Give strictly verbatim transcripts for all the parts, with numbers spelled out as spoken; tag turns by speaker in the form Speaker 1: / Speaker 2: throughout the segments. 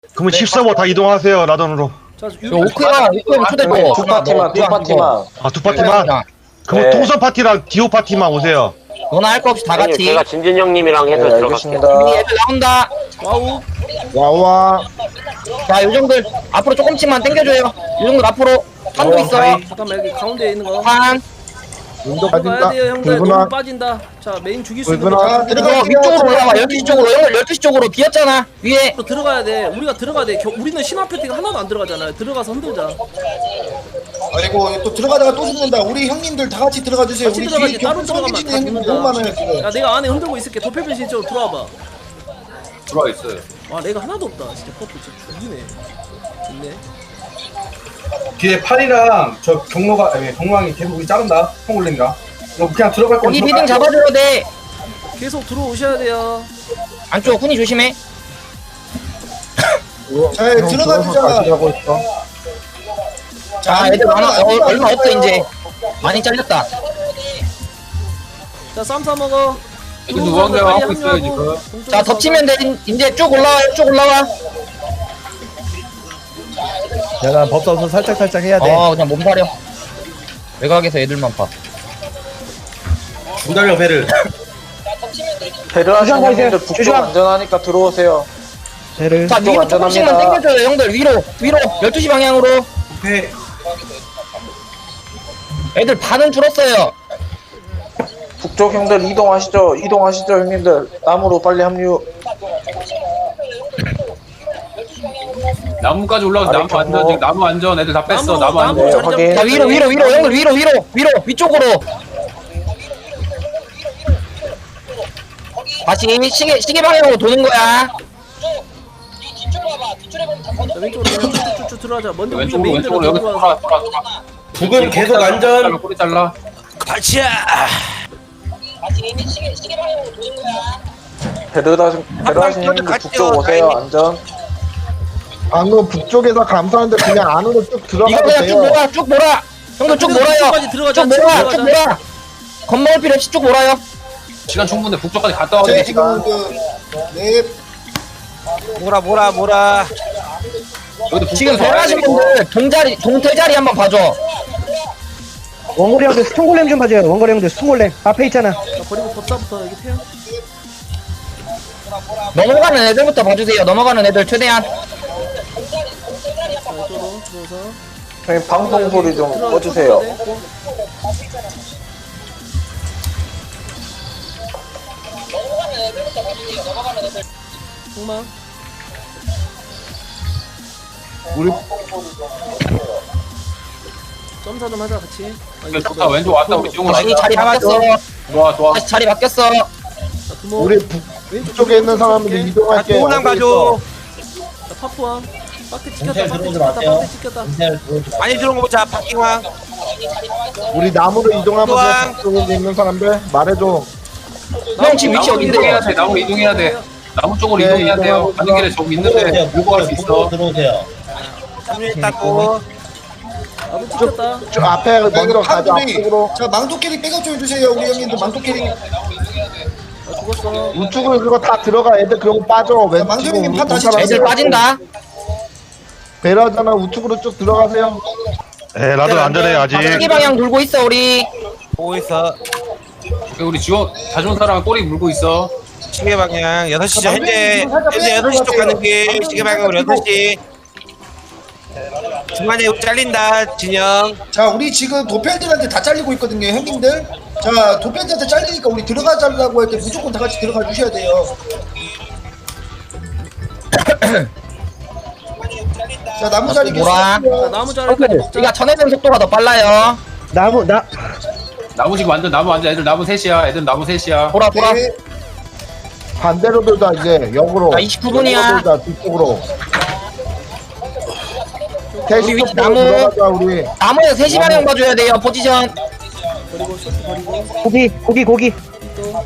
Speaker 1: 그러면 십사 호 다 이동하세요 라던으로.
Speaker 2: 자,
Speaker 3: 이거 오크랑 오크랑 초대고
Speaker 4: 두 파티만 두 파티만.
Speaker 1: 아 두 파티만? 그럼
Speaker 4: 네.
Speaker 1: 통선 파티랑 디오 파티만 오세요.
Speaker 3: 너나 할 거 없이 다
Speaker 5: 아니요,
Speaker 3: 같이.
Speaker 5: 제가 진진 형님이랑 해서
Speaker 4: 네,
Speaker 5: 들어갈게요.
Speaker 4: 알겠습니다.
Speaker 3: 우리 애들 나온다.
Speaker 2: 와우.
Speaker 6: 와와.
Speaker 3: 자, 요정들 앞으로 조금씩만 당겨줘요. 요정들 앞으로. 한도 있어.
Speaker 2: 잠깐만 여기 가운데 있는 거.
Speaker 3: 한.
Speaker 6: 운동
Speaker 2: 들어가야
Speaker 6: 빠진다.
Speaker 2: 돼요 형들. 너무
Speaker 6: 붉은아.
Speaker 2: 빠진다. 자 메인 죽일 수 있는
Speaker 6: 붉은아.
Speaker 2: 거.
Speaker 3: 이거
Speaker 4: 들어갈게요.
Speaker 3: 위쪽으로 올라와. 열두 시 쪽으로. 형들 열두 시 쪽으로 비었잖아. 위에.
Speaker 2: 또 들어가야 돼. 우리가 들어가야 돼. 겨, 우리는 신화 패티가 하나도 안 들어가잖아요. 들어가서 흔들자.
Speaker 7: 아이고 또 들어가다가 또 죽는다. 우리 형님들 다 같이 들어가 주세요.
Speaker 2: 같이
Speaker 7: 우리
Speaker 2: 들어가지.
Speaker 7: 뒤에
Speaker 2: 따로
Speaker 7: 격분
Speaker 2: 들어가면
Speaker 7: 성기진
Speaker 2: 다
Speaker 7: 형님들
Speaker 2: 죽는다.
Speaker 7: 너무 많아요 지금.
Speaker 2: 야 내가 안에 흔들고 있을게. 도펠변신 쪽으로 들어와봐.
Speaker 8: 들어와 있어요.
Speaker 2: 와 내가 하나도 없다. 진짜 퍼프 진짜 죽이네. 좋네.
Speaker 8: 뒤에 팔이랑 저 경로가 아니 경로왕이 계속 우리 자른다. 콩올린가? 너 그냥 들어갈 거면
Speaker 3: 여기
Speaker 8: 들어가.
Speaker 3: 미딩 잡아줘야 돼.
Speaker 2: 계속 들어오셔야 돼요.
Speaker 3: 안쪽 훈이 조심해.
Speaker 7: 자 들어가 주자.
Speaker 6: 가고 있어.
Speaker 3: 자, 애들 많아. 어, 얼마 없어 이제. 많이 잘렸다.
Speaker 2: 자 쌈 싸먹어.
Speaker 8: 애들 우왕좌왕 하고 있어요, 지금.
Speaker 3: 자, 덮치면 돼. 이제 쭉 올라와요. 쭉 올라와.
Speaker 6: 내가 법사서 살짝 살짝 해야 돼.
Speaker 3: 어, 그냥 몸가려. 외곽에서 애들만 봐.
Speaker 8: 중달려 배를.
Speaker 4: 배려하시는 형님들 북쪽 안전하니까 들어오세요.
Speaker 6: 배를.
Speaker 3: 자, 위로
Speaker 4: 안전합니다.
Speaker 3: 조금씩만 당겨줘요, 형들. 위로, 위로. 열두 시 방향으로.
Speaker 8: 배.
Speaker 3: 애들 반은 줄었어요.
Speaker 4: 북쪽 형들 이동하시죠. 이동하시죠 형님들. 나무로 빨리 합류.
Speaker 8: 나무까지 올라가서 나무
Speaker 4: 아래
Speaker 8: 안전.
Speaker 4: 경로.
Speaker 8: 지금 나무 안전. 애들 다 뺐어.
Speaker 2: 나무,
Speaker 8: 나무 안전.
Speaker 2: 나무
Speaker 4: 네,
Speaker 2: 자리
Speaker 4: 확인.
Speaker 2: 잡고
Speaker 3: 자, 위로, 위로, 위로. 형들 위로, 위로, 위로. 위쪽으로. 다시 시계, 시계 방향으로 도는 거야.
Speaker 2: 자, 왼쪽으로 그냥 쭉쭉쭉 들어가자. 먼저 우리가
Speaker 8: 왼쪽으로
Speaker 2: 메인으로
Speaker 8: 왼쪽으로 여기 돌아
Speaker 2: 들어와서.
Speaker 8: 돌아 돌아. 북은 계속 안전. 꼬리 잘라.
Speaker 4: 배려하신 배려하시는 형님들 북쪽 오세요. 안전.
Speaker 6: 안으로 북쪽에서 감사한데 그냥 안으로 쭉
Speaker 3: 이거
Speaker 6: 들어가도
Speaker 3: 그냥 쭉
Speaker 6: 돼요.
Speaker 3: 몰아, 쭉 몰아. 형들 쭉 몰아요.
Speaker 2: 북쪽까지 들어가자.
Speaker 3: 쭉 몰아,
Speaker 2: 들어가자.
Speaker 3: 쭉 몰아. 겁먹을 필요 없이 쭉 몰아요.
Speaker 8: 시간 충분해. 북쪽까지 갔다 와도
Speaker 7: 제
Speaker 8: 돼.
Speaker 7: 지금 그네
Speaker 9: 뭐라 뭐라 뭐라.
Speaker 8: 여기도
Speaker 3: 지금
Speaker 8: 북쪽에서 와야 돼,
Speaker 3: 배하신
Speaker 8: 이거.
Speaker 3: 분들 동자리, 동태자리 한번 봐줘.
Speaker 10: 원거리 형들 스톤골렘 좀 봐줘요. 원거리 형들 스톤골렘 앞에 있잖아.
Speaker 2: 자, 버리고 법사부터 여기 태양.
Speaker 3: 넘어가는 애들부터 봐주세요. 넘어가는 애들 최대한.
Speaker 2: 자, 이쪽으로 들어오서.
Speaker 4: 형님 방송 소리 좀
Speaker 2: 들어가,
Speaker 4: 꺼주세요.
Speaker 2: 들어가야 돼. 공망.
Speaker 6: 우리
Speaker 2: 점사 좀 하자 같이. 아, 이거
Speaker 8: 왼쪽 다 왼쪽 왔다. 우리 지금
Speaker 3: 다시 자리 바뀌었어.
Speaker 8: 좋아 좋아.
Speaker 3: 다시 자리 바뀌었어.
Speaker 2: 자, 두모.
Speaker 6: 우리 북쪽에 있는 사람들
Speaker 9: 아,
Speaker 6: 이동할게.
Speaker 9: 동남 가줘.
Speaker 2: 자, 파푸왕. 빡대 찍혔다. 빡대 찍혔다. 빡대 찍혔다.
Speaker 9: 많이 들어온 거 보자. 박킹왕.
Speaker 6: 우리 나무로 이동하면서
Speaker 9: 또한.
Speaker 6: 북쪽에 있는 사람들 말해줘.
Speaker 3: 형 지금 위치
Speaker 8: 나무 이동해야
Speaker 3: 어딘데?
Speaker 8: 돼. 나무 이동해야 돼. 나무 쪽으로
Speaker 6: 네,
Speaker 8: 이동해야 돼요.
Speaker 6: 이동하고
Speaker 8: 가는 길에 저기 있는데 물고 갈 수 있어.
Speaker 9: 합류했다고.
Speaker 2: 나도 찍혔다.
Speaker 6: 저 앞에 먼저
Speaker 7: 이거
Speaker 6: 가자.
Speaker 7: 팝들이
Speaker 6: 앞쪽으로.
Speaker 7: 자 망토 캐릭 백업 좀 해주세요. 우리 형님들 망토 캐릭.
Speaker 2: 아, 죽었어.
Speaker 6: 우측으로 그거 다 들어가. 애들 그런 거 빠져. 왼
Speaker 7: 망토님님 파 다시
Speaker 6: 사람들
Speaker 3: 애들 빠진다.
Speaker 6: 배려하잖아. 우측으로 쭉 들어가세요.
Speaker 1: 에 라던 안전해 아직.
Speaker 3: 시계 방향 돌고 있어 우리.
Speaker 9: 보고 있어.
Speaker 8: 우리 지원 자존 사람 꼬리 물고 있어.
Speaker 9: 시계 방향 여섯 시 현재 현재 여섯 시 쪽 가는 길. 시계 방향으로 여섯 시. 중간에 잘린다 진영.
Speaker 7: 자 우리 지금 도펠들한테 다 잘리고 있거든요 형님들. 자 도펠들한테 잘리니까 우리 들어가자라고 할 때 무조건 다 같이 들어가 주셔야 돼요. 자 나무 자리 계속
Speaker 3: 뭐라?
Speaker 7: 하고요.
Speaker 2: 자, 나무 자리까지 먹자.
Speaker 3: 우리가 전해진 속도가 더 빨라요.
Speaker 10: 나무 나
Speaker 8: 나무 지금 완전 나무 완전 애들 나무 셋이야. 애들 나무 셋이야.
Speaker 3: 돌아 돌아.
Speaker 7: 네.
Speaker 6: 반대로 돌자 이제 역으로.
Speaker 3: 자, 이십구 분이야.
Speaker 6: 역으로 돌자 뒤쪽으로.
Speaker 3: 우리 위치 나무.
Speaker 6: 들어가자 우리.
Speaker 3: 나무에서 세 시 방향 봐줘야 돼요. 포지션.
Speaker 2: 버리고 쇼트 버리고.
Speaker 10: 고기 고기 고기.
Speaker 2: 또.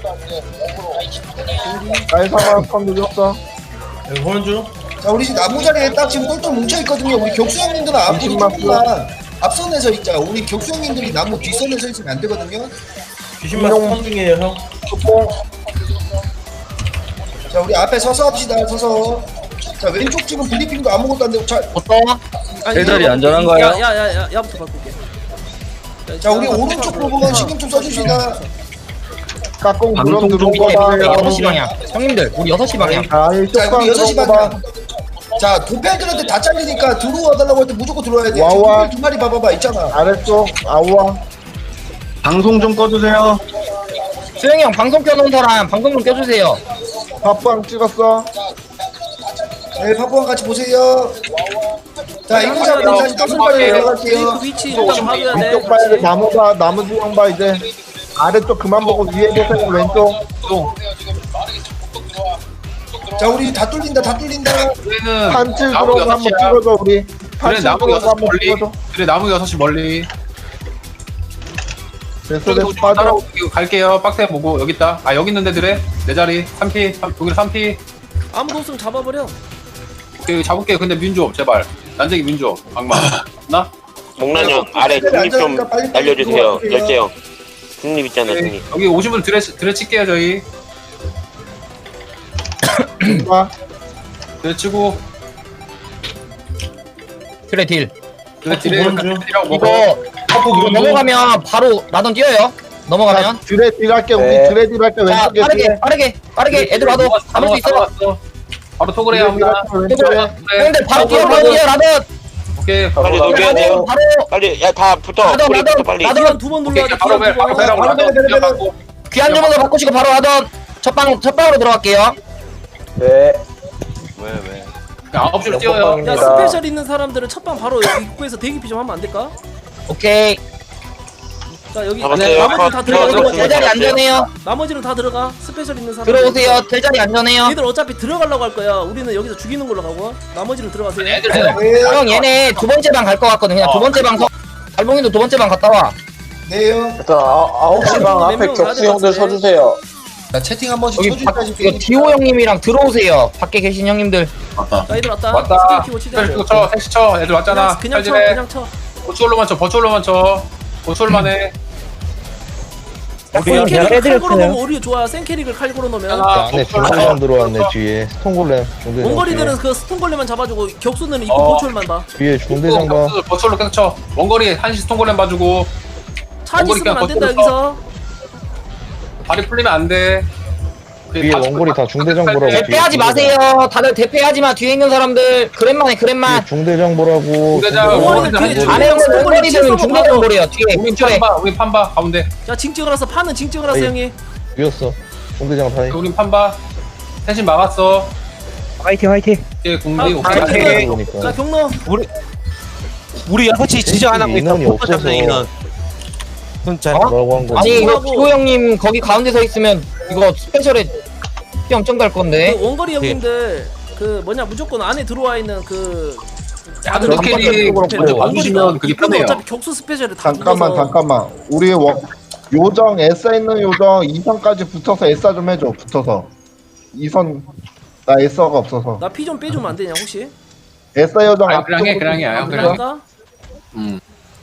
Speaker 6: 나의 상황 컴 늦었어.
Speaker 7: 자 우리 지금 나무 자리에 딱 지금 똘똘 뭉쳐 있거든요. 우리 격수 형님들은 앞으로
Speaker 6: 이십만
Speaker 7: 조금만 앞선에 서 있자. 우리 격수 형님들이 나무 뒷선에 서 있으면 안 되거든요.
Speaker 6: 인용 중이에요 형.
Speaker 7: 자 우리 앞에 서서 합시다. 서서. 자 왼쪽 지금 블리핑도 아무것도 안 되고 자,
Speaker 3: 어떠?
Speaker 2: 제자리 안전한가요? 야야야 야부터 바꿀게.
Speaker 7: 자 우리 오른쪽 부분 신경 좀 써주시다.
Speaker 6: 까꿍 그럼 들어온 거다.
Speaker 3: 여섯 시 방향. 형님들 우리 여섯 시 방향.
Speaker 6: 아이
Speaker 7: 자
Speaker 6: 쇼빵
Speaker 7: 우리 여섯 시
Speaker 6: 들어온 거다.
Speaker 7: 반자 도패들한테 다 잘리니까 들어와 달라고 할 때 무조건 들어와야 돼.
Speaker 6: 와와.
Speaker 7: 지금 두 마리 봐봐봐 있잖아.
Speaker 6: 잘했어. 아우와.
Speaker 1: 방송 좀 꺼주세요.
Speaker 3: 수영이 형 방송 켜놓은 사람 방송 좀 껴주세요.
Speaker 6: 밥빵 찍었어.
Speaker 7: 네 파포랑 같이 보세요. 자 이거 잡으면 다시 떡을 빨리
Speaker 2: 그
Speaker 7: 내려갈게요.
Speaker 2: 위치 일단 봐줘야 돼.
Speaker 6: 위쪽 봐야 돼. 나무 봐. 나무 중앙 봐 이제. 아래쪽 그만 보고 위에 보세요. 왼쪽.
Speaker 7: 자 우리 다 뚫린다 다 뚫린다.
Speaker 8: 우리는
Speaker 6: 판칠
Speaker 8: 나무
Speaker 6: 들어오고
Speaker 8: 여섯
Speaker 6: 한번
Speaker 8: 시야.
Speaker 6: 찍어줘 우리.
Speaker 8: 그래
Speaker 6: 판칠
Speaker 8: 나무
Speaker 6: 들어오고
Speaker 8: 여섯 시
Speaker 6: 한번
Speaker 8: 멀리.
Speaker 6: 찍어줘.
Speaker 8: 그래 나무 여섯 시 멀리.
Speaker 6: 됐어
Speaker 8: 저기
Speaker 6: 됐어
Speaker 8: 좀
Speaker 6: 빠져.
Speaker 8: 따라오고 갈게요. 빡세 보고 여기 있다. 아 여기 있는데 드래 내 자리 삼 피 여기 삼 피.
Speaker 2: 아무도 없으면 잡아버려.
Speaker 8: 오케이 잡을게. 근데 민조 제발. 난쟁이 민조 악마. 나?
Speaker 5: 목란 형 아래 중립 좀 날려주세요. 열재 형 중립 있잖아
Speaker 8: 오케이.
Speaker 5: 중립.
Speaker 8: 여기 오신 분 드레 드레 칠게요 저희.
Speaker 6: 봐.
Speaker 8: 드레 치고
Speaker 3: 그래 딜.
Speaker 8: 드레 딜에 딜이라고 먹어.
Speaker 3: 이거 이거 넘어가면 바로 나던 뛰어요. 넘어가면.
Speaker 6: 드레 딜할게 우리
Speaker 4: 네.
Speaker 6: 드레 딜할게
Speaker 3: 자
Speaker 6: 왼쪽에
Speaker 3: 빠르게
Speaker 6: 드레.
Speaker 3: 빠르게 빠르게 애들 와도 잡을 수 있어.
Speaker 8: 있어. 바로 토그레
Speaker 6: 드레
Speaker 8: 합니다.
Speaker 6: 딜할게 왼쪽에.
Speaker 3: 형들 바로 뛰어 바로 뛰어 나던.
Speaker 8: 오케이.
Speaker 5: 빨리
Speaker 8: 바로
Speaker 5: 녹여야 돼요.
Speaker 3: 바로
Speaker 5: 빨리 야 다 붙어.
Speaker 3: 나도,
Speaker 5: 우리
Speaker 3: 나도,
Speaker 5: 붙어 빨리.
Speaker 3: 나도.
Speaker 2: 기한 두번 눌러야 돼.
Speaker 8: 바로
Speaker 2: 기한
Speaker 8: 배 바로
Speaker 2: 두 번.
Speaker 8: 배라고 나도 뛰어갖고.
Speaker 3: 귀한 주문서 바꾸시고 바로 하던 첫방 첫방으로 들어갈게요.
Speaker 4: 네.
Speaker 8: 아홉 시로 뛰어요.
Speaker 2: 야 스페셜 있는 사람들은 첫방 바로 여기 입구에서 대기피 좀 하면 안 될까?
Speaker 3: 오케이.
Speaker 2: 자 여기
Speaker 5: 잡았어요.
Speaker 2: 나머지는 다
Speaker 5: 컷,
Speaker 2: 들어가.
Speaker 5: 컷,
Speaker 2: 나머지,
Speaker 5: 컷.
Speaker 3: 대자리 안전해요.
Speaker 2: 나머지는 다 들어가. 스페셜 있는 사람.
Speaker 3: 들어오세요. 대자리 안전해요.
Speaker 2: 얘들 어차피 들어가려고 할 거야. 우리는 여기서 죽이는 걸로 가고. 나머지는 들어가세요.
Speaker 8: 애들
Speaker 7: 네.
Speaker 3: 형 얘네 두 번째 방 갈 것 같거든. 그냥 두 번째 방 서. 달봉이도 두 번째 방 갔다 와.
Speaker 7: 네요.
Speaker 4: 일단 아, 아홉 시 방 앞에 격수 형들 서주세요.
Speaker 7: 자 채팅 한 번씩
Speaker 3: 여기 바,
Speaker 7: 쳐주기까지.
Speaker 3: 이거 디오 형님이랑 들어오세요. 밖에 계신 형님들.
Speaker 2: 자 얘들 왔다.
Speaker 8: 왔다.
Speaker 2: 스킬 키고 치자.
Speaker 8: 셋 쳐, 셋 쳐. 애들 왔잖아.
Speaker 2: 그냥, 그냥 쳐.
Speaker 8: 빨리 해.
Speaker 2: 그냥 쳐.
Speaker 8: 버추얼로만 쳐, 버추얼로만 쳐. 버추얼만 해.
Speaker 10: 우리
Speaker 2: 센캐릭을 칼
Speaker 10: 애들했어요.
Speaker 2: 걸어놓으면 오히려 좋아. 센캐릭을 칼 걸어놓으면.
Speaker 8: 아,
Speaker 1: 안에
Speaker 8: 버추얼만
Speaker 1: 중골렘 들어왔네 뒤에. 스톤골렘. 중대장
Speaker 2: 원거리들은 그 스톤걸레만 잡아주고 격수는 입구
Speaker 8: 어.
Speaker 2: 보초만 봐.
Speaker 1: 뒤에 중대장 봐.
Speaker 8: 격수 버추얼로 계속 쳐. 원거리 한시 스톤골렘 봐주고.
Speaker 2: 차지
Speaker 8: 원거리
Speaker 2: 쓰면 안
Speaker 8: 그냥
Speaker 2: 된다
Speaker 8: 버텨.
Speaker 2: 여기서.
Speaker 8: 발이 풀리면 안 돼.
Speaker 1: 뒤에 원거리 다 중대장 보라고. 뒤에
Speaker 3: 대패하지 마세요. 다들 대패하지 마. 뒤에 있는 사람들 그랜만 해 그랜만.
Speaker 1: 뒤에 중대장 보라고.
Speaker 8: 중대장,
Speaker 2: 원거리는
Speaker 8: 원거리
Speaker 2: 뒤에
Speaker 8: 한
Speaker 3: 안에
Speaker 2: 중대장
Speaker 3: 있는 원거리들은
Speaker 2: 칠성으로
Speaker 3: 중대장
Speaker 2: 봐줘.
Speaker 3: 보래요. 뒤에
Speaker 8: 우린
Speaker 3: 근처에.
Speaker 8: 판봐, 우린 판봐 가운데.
Speaker 2: 자 징찍을 해서 파는 징찍을 해서
Speaker 1: 에이.
Speaker 2: 형이.
Speaker 1: 비었어. 중대장 타이.
Speaker 8: 우린 판봐. 대신 막았어.
Speaker 10: 화이팅 화이팅.
Speaker 8: 이게 국리
Speaker 2: 아,
Speaker 8: 오케이.
Speaker 2: 아,
Speaker 8: 오케이.
Speaker 1: 그러니까.
Speaker 2: 자 경로.
Speaker 9: 우리 우리 여섯 시 지정 안 하고 있어.
Speaker 1: 인원이
Speaker 9: 포토
Speaker 1: 없어서.
Speaker 9: 잡는 인원. 진짜.
Speaker 1: 뭐라고 한 거지?
Speaker 3: 아니 이거
Speaker 2: 하고.
Speaker 3: 디오 형님 거기 가운데 서 있으면 이거 스페셜에 뿅 갈 건데.
Speaker 2: 그 원거리 형님들 그 뭐냐 무조건 안에 들어와 있는 그. 다들
Speaker 8: 그 스케일이
Speaker 2: 원거리
Speaker 8: 먼저 봐주시면 그게
Speaker 2: 입구는
Speaker 8: 편해요.
Speaker 2: 어차피 격수 스페셜에 다
Speaker 6: 잠깐만
Speaker 2: 묶어서.
Speaker 6: 잠깐만. 우리 워, 요정 에싸 있는 요정 이 선까지 붙어서 에싸 좀 해줘. 붙어서. 이 선 나 에싸가 없어서.
Speaker 2: 나 피 좀 빼주면 안 되냐 혹시?
Speaker 6: 에싸 요정
Speaker 8: 아, 그냥 해,
Speaker 6: 앞쪽으로
Speaker 8: 그냥 해,
Speaker 6: 좀
Speaker 8: 아,
Speaker 2: 그냥
Speaker 8: 그래.
Speaker 2: 할까?
Speaker 8: 음.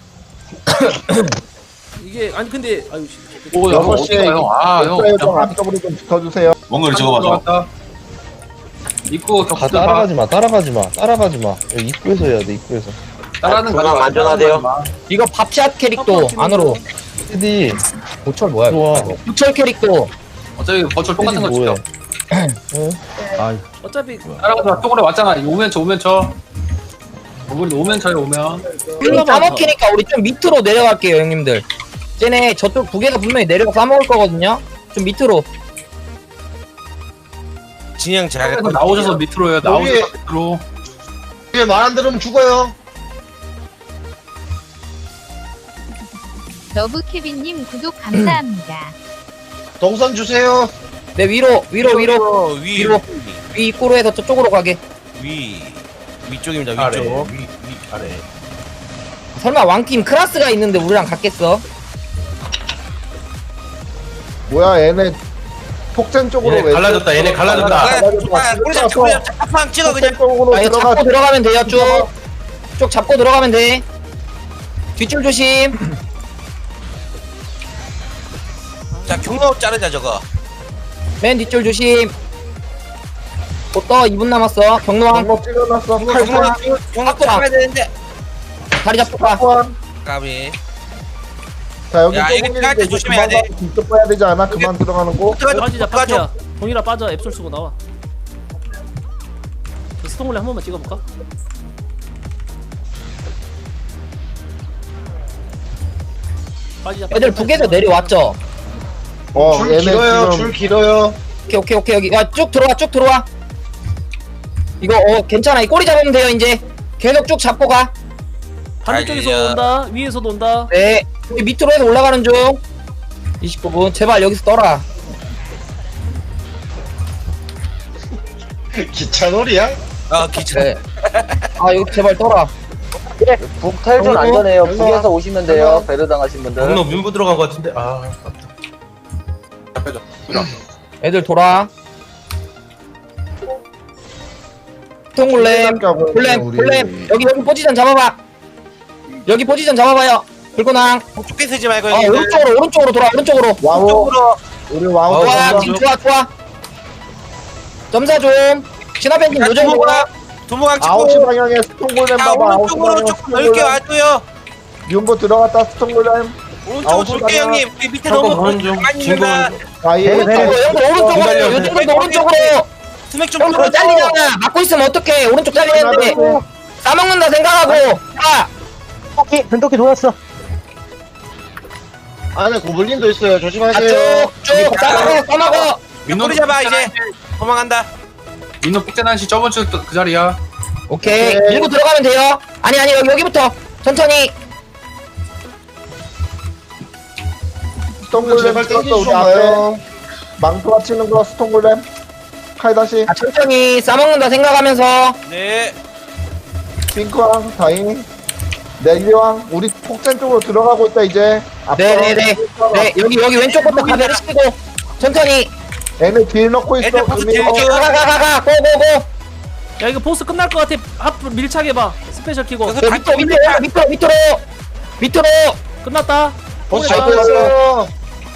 Speaker 2: 이게 아니 근데 아유 씨.
Speaker 8: 오, 야,
Speaker 6: 여섯
Speaker 8: 어디
Speaker 6: 시에
Speaker 8: 가요? 아, 형.
Speaker 6: 에싸 요정 앞쪽으로 좀 붙어주세요.
Speaker 8: 원거리 저거 맞아. 입구
Speaker 1: 가
Speaker 8: 격수
Speaker 1: 따라가지 마. 따라가지 마. 따라가지 마. 여기 입구에서 해야 돼. 입구에서.
Speaker 8: 따라는
Speaker 5: 중앙
Speaker 8: 거야.
Speaker 5: 안전하대요.
Speaker 3: 이거 밥샷 캐릭도 안으로.
Speaker 1: 헤디
Speaker 3: 보철 뭐야?
Speaker 1: 좋아.
Speaker 3: 보철 캐릭도.
Speaker 8: 어차피 버추얼 똑같은 거
Speaker 1: 헤디 뭐해?
Speaker 8: 치죠.
Speaker 2: 어차피
Speaker 8: 따라가서 쪽으로 왔잖아. 오면 쳐, 오면 쳐. 오면 오면 쳐요, 오면.
Speaker 3: 형님 싸먹히니까 우리 좀 밑으로 내려갈게요 형님들. 쟤네 저쪽 두 개가 분명히 내려가 싸먹을 거거든요. 좀 밑으로.
Speaker 9: 진영 잘.
Speaker 8: 그래서 나오셔서 밑으로요. 나오셔서 밑으로.
Speaker 1: 뒤에 말 안 들으면 죽어요.
Speaker 11: 러브케빈님 구독 감사합니다.
Speaker 1: 동선 주세요.
Speaker 3: 네 위로 위로 위로
Speaker 9: 위
Speaker 3: 위로. 위 입구로 해서 저쪽으로 가게.
Speaker 9: 위 위쪽입니다.
Speaker 1: 아래.
Speaker 9: 위쪽.
Speaker 1: 위, 위 아래.
Speaker 3: 설마 왕팀 크라스가 있는데 우리랑 갔겠어?
Speaker 6: 뭐야 얘네 폭탄 쪽으로
Speaker 1: 얘네
Speaker 6: 왜
Speaker 1: 갈라졌다, 얘네 갈라졌다.
Speaker 9: 아, 우리 잡고 그냥 짝방 찍어 그냥.
Speaker 6: 폭탄 쪽으로
Speaker 3: 아 이거
Speaker 6: 들어가.
Speaker 3: 잡고 들어가면 돼요 쭉. 쭉 잡고 들어가면 돼. 뒷줄 조심.
Speaker 9: 자 경로 자르자 저거.
Speaker 3: 맨 뒷줄 조심. 곧떠 이 분 남았어. 경로왕
Speaker 6: 경로 찍어놨어.
Speaker 9: 경로
Speaker 6: 칼사.
Speaker 9: 경로 잡아야 되는데.
Speaker 3: 다리 잡고 가.
Speaker 9: 까비.
Speaker 6: 자 여기
Speaker 9: 야, 이거 깔 때 조심해야 돼.
Speaker 6: 직접 봐야 되지 않아? 그만 들어가는 거.
Speaker 2: 빠지자 파티야. 동일아 빠져. 앱솔 쓰고 나와. 그 스톤홀레 한 번만 찍어볼까? 빠지자.
Speaker 3: 애들 북에서 내려왔죠.
Speaker 6: 어
Speaker 7: 줄
Speaker 6: 얘네
Speaker 7: 길어요.
Speaker 6: 지금
Speaker 7: 줄 길어요.
Speaker 3: 오케이 오케이 오케이 여기 야 쭉 들어와 쭉 들어와. 이거 어 괜찮아. 이 꼬리 잡으면 돼요 이제. 계속 쭉 잡고 가.
Speaker 2: 반대쪽에서
Speaker 9: 아니야.
Speaker 2: 온다. 위에서도 온다.
Speaker 3: 네. 여기 밑으로 해서 올라가는 중. 이십구 분 제발 여기서 떠라.
Speaker 7: 기차놀이야?
Speaker 9: 아 기차.
Speaker 3: 네. 아 여기 제발 떠라.
Speaker 4: 북탈전
Speaker 3: 경로?
Speaker 4: 안전해요.
Speaker 6: 경로?
Speaker 4: 북에서 오시면 돼요. 배려 당하신 분들.
Speaker 8: 경로 민부 들어간 것 같은데. 아. 자, 빼줘.
Speaker 3: 애들 돌아. 통골렘 골렘 골렘 여기 여기 포지션 잡아봐. 여기 포지션 잡아봐요. 불고낭.
Speaker 9: 좁게 쓰지 말고
Speaker 3: 아
Speaker 9: 형님.
Speaker 3: 오른쪽으로 오른쪽으로 돌아 오른쪽으로.
Speaker 6: 와우. 우리 와우.
Speaker 3: 좋아
Speaker 6: 어,
Speaker 3: 지금 좋아 좋아. 점사 좀. 신화팬님 요정 좋아.
Speaker 9: 도모강
Speaker 6: 아홉 시
Speaker 9: 찍고.
Speaker 6: 방향에 스톤골렘
Speaker 9: 야
Speaker 6: 봐봐. 아홉 시
Speaker 9: 오른쪽으로
Speaker 6: 방향에
Speaker 9: 조금 넓게 와줘요.
Speaker 6: 윤보 들어갔다 스톤골렘.
Speaker 9: 오른쪽으로
Speaker 6: 아홉 시
Speaker 9: 돌게
Speaker 6: 방향.
Speaker 9: 형님. 우리 밑에
Speaker 8: 잠깐
Speaker 9: 너무
Speaker 8: 가는 중.
Speaker 9: 많이
Speaker 8: 진공.
Speaker 9: 있나?
Speaker 6: 아예.
Speaker 10: 네, 네.
Speaker 3: 형들 오른쪽으로 요즘도 오른쪽으로.
Speaker 9: 스맥 좀
Speaker 3: 형들
Speaker 9: 들어줘.
Speaker 3: 잘리잖아. 막고 있으면 어떡해. 오른쪽 잘리는데. 싸먹는다 생각하고. 자.
Speaker 10: 변덕기 변덕기 돌았어.
Speaker 7: 안에 고블린도 있어요.
Speaker 3: 아,
Speaker 7: 조심하세요.
Speaker 3: 쭉쭉 싸먹어 싸먹어.
Speaker 9: 꼬리 잡아 이제. 도망간다.
Speaker 8: 민노 픽자난시 저번 주 그 자리야.
Speaker 3: 오케이
Speaker 6: 오케이.
Speaker 3: 밀고 들어가면 돼요. 아니 아니 여기 여기부터 천천히.
Speaker 6: 스톤골렘
Speaker 7: 제발
Speaker 6: 찍었어
Speaker 7: 땡기지
Speaker 6: 우리
Speaker 7: 좀
Speaker 6: 앞에.
Speaker 7: 마요.
Speaker 6: 망토 치는 거 스톤골렘. 칼 다시.
Speaker 3: 아, 천천히 싸먹는다 생각하면서.
Speaker 9: 네.
Speaker 6: 핑크왕 다잉. 내기왕 우리 폭탄 쪽으로 들어가고 있다 이제. 앞으로.
Speaker 3: 네네네. 네 여기 여기 왼쪽부터 가베를 시키고 천천히.
Speaker 6: 얘네 딜 넣고 있어.
Speaker 9: 애들 보스
Speaker 6: 금이.
Speaker 9: 딜 줘.
Speaker 3: 가가가가 고고고.
Speaker 2: 야 이거 보스 끝날 것 같아. 앞으로 밀착해봐. 스페셜 키고.
Speaker 9: 여기서
Speaker 3: 저 밑으로 밑으로 밑으로 밑으로 밑으로.
Speaker 2: 끝났다.
Speaker 7: 보스
Speaker 2: 동일아,
Speaker 7: 잡고 있어요.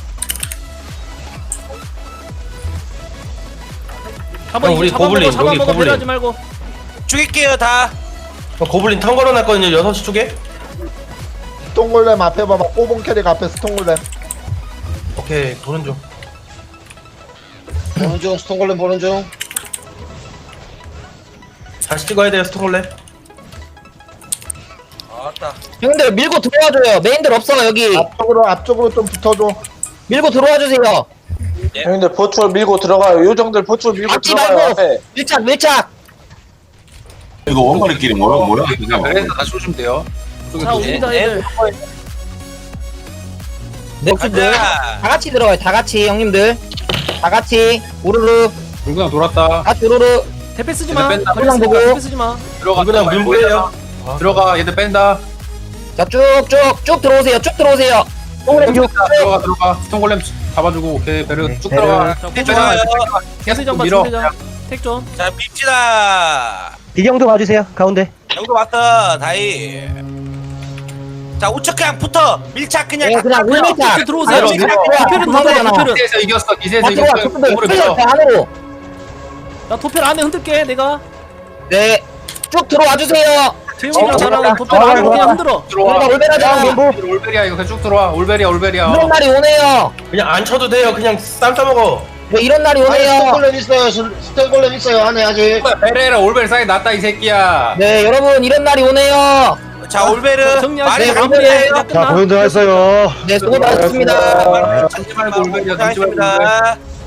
Speaker 2: 잡아
Speaker 8: 형,
Speaker 2: 이제
Speaker 8: 우리
Speaker 2: 잡아먹어
Speaker 8: 고블린,
Speaker 2: 잡아먹어
Speaker 8: 여기 고블린.
Speaker 2: 배려하지 말고.
Speaker 9: 죽일게요 다.
Speaker 8: 고블린 턴 걸어놨거든요. 여섯 시 쪽에.
Speaker 6: 스톤골렘 앞에 봐봐. 꼬봉 캐릭 앞에 스톤골렘.
Speaker 8: 오케이 도는 중.
Speaker 7: 보는 중. 스톤골렘 보는 중.
Speaker 8: 다시 찍어야 돼요 스톤골렘.
Speaker 9: 아따.
Speaker 3: 형들 밀고 들어와줘요. 메인들 없어 여기.
Speaker 6: 앞쪽으로 앞쪽으로 좀 붙어줘.
Speaker 3: 밀고 들어와주세요.
Speaker 4: 형님들 보충을 밀고 들어가요. 요정들 보충을 밀고
Speaker 3: 맞지
Speaker 4: 들어가요.
Speaker 3: 말고.
Speaker 4: 앞에.
Speaker 3: 밀착 밀착.
Speaker 12: 이거 원거리끼리 뭐야 뭐야 그냥
Speaker 8: 그래서 다시 오시면 돼요.
Speaker 2: 자 옵니다 애들.
Speaker 3: 네,
Speaker 9: 가자.
Speaker 3: 다 같이 들어가요. 다 같이 형님들. 다 같이 우르르.
Speaker 8: 불그냥 돌았다.
Speaker 3: 같이 우르르.
Speaker 2: 대패 쓰지 마.
Speaker 8: 뺀다.
Speaker 2: 걸렸으니까
Speaker 3: 보고.
Speaker 2: 대패 쓰지 마.
Speaker 8: 들어가. 그냥 민부예요. 들어가. 얘들 뺀다.
Speaker 3: 자 쭉쭉 쭉 들어오세요. 쭉 들어오세요. 동그램 쭉.
Speaker 8: 들어가 들어가. 스톤골렘 잡아주고 오케이 배려 쭉
Speaker 10: 배려.
Speaker 8: 들어가.
Speaker 2: 자
Speaker 9: 좋아요.
Speaker 2: 고정.
Speaker 8: 계속
Speaker 2: 장봐
Speaker 8: 밀어.
Speaker 2: 중대장. 택 좀.
Speaker 9: 자 밉시다.
Speaker 10: 비경도 봐주세요. 가운데.
Speaker 9: 여기도 왔어 다이. 자 우측 그냥 붙어. 밀착 그냥.
Speaker 3: 네, 그냥
Speaker 2: 그냥
Speaker 3: 울밀착.
Speaker 2: 앞으로 들어오세요.
Speaker 3: 아,
Speaker 2: 지금
Speaker 3: 들어와.
Speaker 2: 도패는
Speaker 3: 들어와.
Speaker 2: 들어와. 도패는.
Speaker 8: 기세에서 이겼어. 기세에서
Speaker 3: 다 들어와.
Speaker 8: 이겼어.
Speaker 3: 조금들.
Speaker 8: 공으로
Speaker 3: 스페셜
Speaker 8: 밀어.
Speaker 3: 다 안으로.
Speaker 2: 나 도패 안에 흔들게 내가.
Speaker 3: 네. 쭉 들어와 주세요.
Speaker 2: 재용이랑
Speaker 3: 어,
Speaker 2: 나랑 도패
Speaker 10: 어,
Speaker 2: 안으로
Speaker 10: 어,
Speaker 2: 그냥
Speaker 10: 어.
Speaker 2: 흔들어.
Speaker 8: 들어와.
Speaker 3: 우리가 올베라자.
Speaker 8: 올베리야 이거 그냥 쭉 들어와. 올베리야 올베리야.
Speaker 3: 이런 날이 오네요.
Speaker 8: 그냥 안 쳐도 돼요. 그냥 쌈 싸먹어.
Speaker 3: 네, 이런 날이
Speaker 7: 안에
Speaker 3: 오네요.
Speaker 7: 스톤골렘 있어요. 스톤골렘 있어요. 안에 아직.
Speaker 8: 베레라 올베리 사이 났다 이 새끼야.
Speaker 3: 네, 여러분 이런 날이 오네요.
Speaker 9: 자 올베르.
Speaker 2: 정리하시고
Speaker 3: 네,
Speaker 2: 마무리해.
Speaker 3: 자,
Speaker 2: 끝나.
Speaker 10: 했어요.
Speaker 3: 네, 수고 많으셨습니다.
Speaker 8: 던지 말고 올베리야 던지 말고 올베리.
Speaker 9: 고생하셨습니다.